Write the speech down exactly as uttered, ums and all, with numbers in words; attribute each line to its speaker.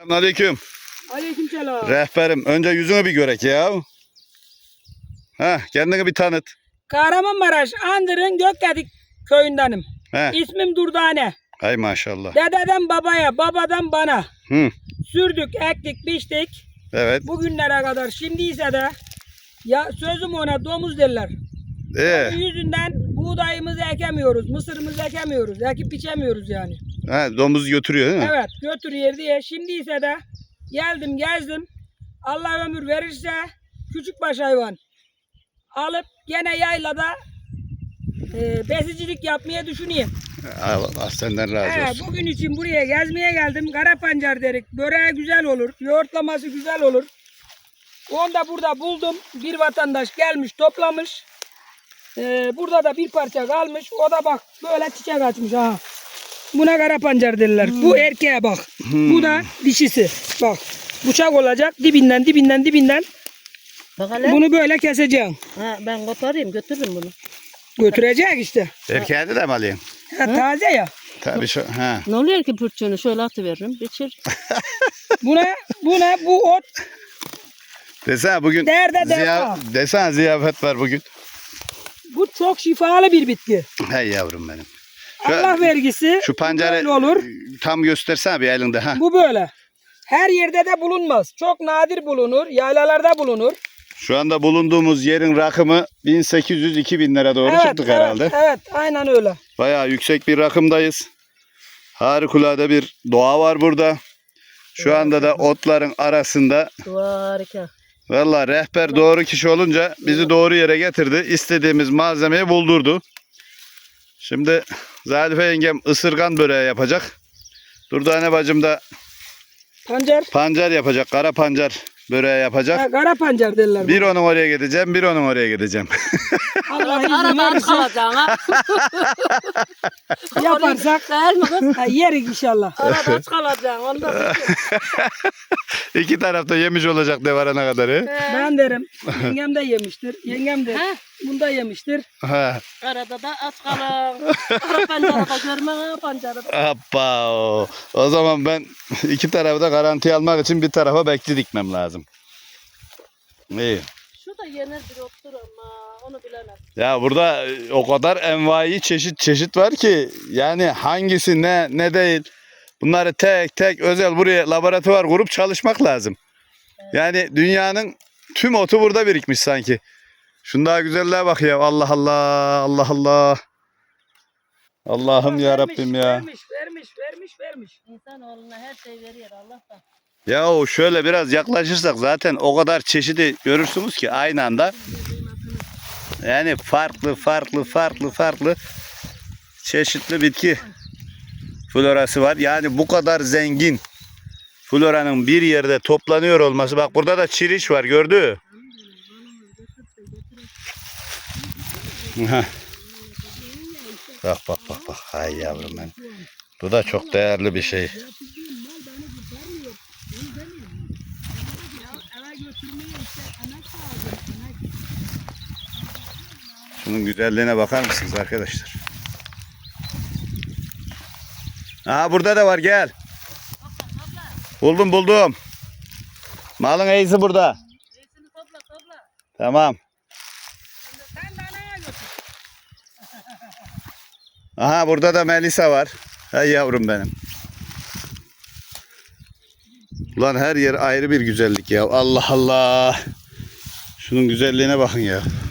Speaker 1: Aleyküm.
Speaker 2: Aleykümselam.
Speaker 1: Rehberim, önce yüzünü bir görek ya. Ha, kendini bir tanıt.
Speaker 2: Kahramanmaraş Andır'ın Gökgedik köyündenim.
Speaker 1: He.
Speaker 2: İsmim Durdane.
Speaker 1: Hay maşallah.
Speaker 2: Dededen babaya, babadan bana.
Speaker 1: Hı.
Speaker 2: Sürdük, ektik, biçtik.
Speaker 1: Evet.
Speaker 2: Bugünlere kadar. Şimdi ise de ya sözüm ona domuz derler.
Speaker 1: Ee,
Speaker 2: Onun yüzünden buğdayımızı ekemiyoruz, mısırımızı ekemiyoruz, ekip biçemiyoruz yani.
Speaker 1: ha, domuz götürüyor değil mi?
Speaker 2: Evet, götürüyor diye. Şimdi ise de geldim, gezdim. Allah ömür verirse küçükbaş hayvan alıp gene yaylada e, besicilik yapmaya düşüneyim.
Speaker 1: Allah senden razı
Speaker 2: He,
Speaker 1: olsun.
Speaker 2: bugün için buraya gezmeye geldim. Kara pancar derik. Böreği güzel olur. Yoğurtlaması güzel olur. Onu da burada buldum. Bir vatandaş gelmiş toplamış. Ee, burada da bir parça kalmış. O da bak böyle çiçek açmış. Ha. Buna kara pancar derler.
Speaker 1: Hmm.
Speaker 2: Bu erkeğe bak.
Speaker 1: Hmm.
Speaker 2: Bu da dişisi. Bak. Bıçak olacak. Dibinden dibinden dibinden.
Speaker 3: Bakalım.
Speaker 2: Bunu böyle keseceğim.
Speaker 3: Ha, ben koparayım götürürüm bunu.
Speaker 2: Götürecek işte.
Speaker 1: Erkeğini de mi alayım?
Speaker 2: Ha, taze ya.
Speaker 1: Tabii şu, ha.
Speaker 3: Ne oluyor ki pürçüğünü şöyle atıveririm. Biçir.
Speaker 2: Buna buna bu ot
Speaker 1: Desene bugün
Speaker 2: Derde
Speaker 1: ziya,
Speaker 2: deva.
Speaker 1: desene ziyafet var bugün.
Speaker 2: bu çok şifalı bir bitki.
Speaker 1: Hey yavrum benim. Şu,
Speaker 2: Allah vergisi.
Speaker 1: şu pancarı
Speaker 2: böyle olur.
Speaker 1: tam göstersene bir elinde. Ha.
Speaker 2: Bu böyle. Her yerde de bulunmaz. Çok nadir bulunur. Yaylalarda bulunur.
Speaker 1: Şu anda bulunduğumuz yerin rakımı bin sekiz yüz iki bin lira doğru
Speaker 2: evet,
Speaker 1: çıktık
Speaker 2: evet,
Speaker 1: herhalde.
Speaker 2: Evet, aynen öyle.
Speaker 1: Bayağı yüksek bir rakımdayız. Harikulade bir doğa var burada. Şu anda da otların arasında.
Speaker 3: Harika.
Speaker 1: Vallahi rehber doğru kişi olunca bizi doğru yere getirdi. İstediğimiz malzemeyi buldurdu. Şimdi Zarife yengem ısırgan böreği yapacak. Durdane bacım da
Speaker 2: Pancar.
Speaker 1: pancar yapacak. Kara pancar böreği yapacak.
Speaker 2: Ha, kara pancar derler.
Speaker 1: Bir onun oraya gideceğim, bir onun oraya gideceğim.
Speaker 2: Allah izin
Speaker 3: Arada aç
Speaker 2: verirse
Speaker 3: kalacaksın ha.
Speaker 2: yaparsak
Speaker 3: Değil mi kız?
Speaker 2: ha, yerik inşallah.
Speaker 3: Arada aç kalacaksın. Ondan
Speaker 1: İki tarafta yemiş olacak de varana kadar. he?
Speaker 2: Ben derim. Yengem de yemiştir. Yengem de
Speaker 3: Ha?
Speaker 2: bunda yemiştir.
Speaker 1: Ha.
Speaker 3: Arada da aç kalın. Ara pancarı da görme ha pancarı da.
Speaker 1: Hoppa. O. O zaman ben iki tarafı da garanti almak için bir tarafa bekli dikmem lazım. İyi.
Speaker 3: Şu da yenir bir otur ama onu bilemem.
Speaker 1: Ya burada o kadar envai çeşit çeşit var ki yani hangisi ne ne değil. Bunları tek tek özel buraya laboratuvar kurup çalışmak lazım. Yani dünyanın tüm otu burada birikmiş sanki. Şun daha güzelliğe bak ya. Allah Allah. Allah Allah. Allah'ım ya Rabbim ya.
Speaker 2: Vermiş, vermiş, vermiş, vermiş.
Speaker 3: İnsanoğluna her şey veriyor Allah'tan.
Speaker 1: Ya şöyle biraz yaklaşırsak zaten o kadar çeşidi görürsünüz ki aynı anda. Yani farklı farklı farklı farklı çeşitli bitki florası var. Yani bu kadar zengin floranın bir yerde toplanıyor olması. Bak burada da çiriş var, gördü. Bak bak bak bak. Hay yavrum ben. Bu da çok değerli bir şey. Şunun güzelliğine bakar mısınız arkadaşlar? Aha burada da var, gel. Buldum buldum. Malın iyisi burada.
Speaker 3: İyisini topla topla.
Speaker 1: Tamam.
Speaker 2: Sen de anaya götür.
Speaker 1: Aha burada da Melisa var. Hay yavrum benim. Ulan her yer ayrı bir güzellik ya. Allah Allah. Şunun güzelliğine bakın ya.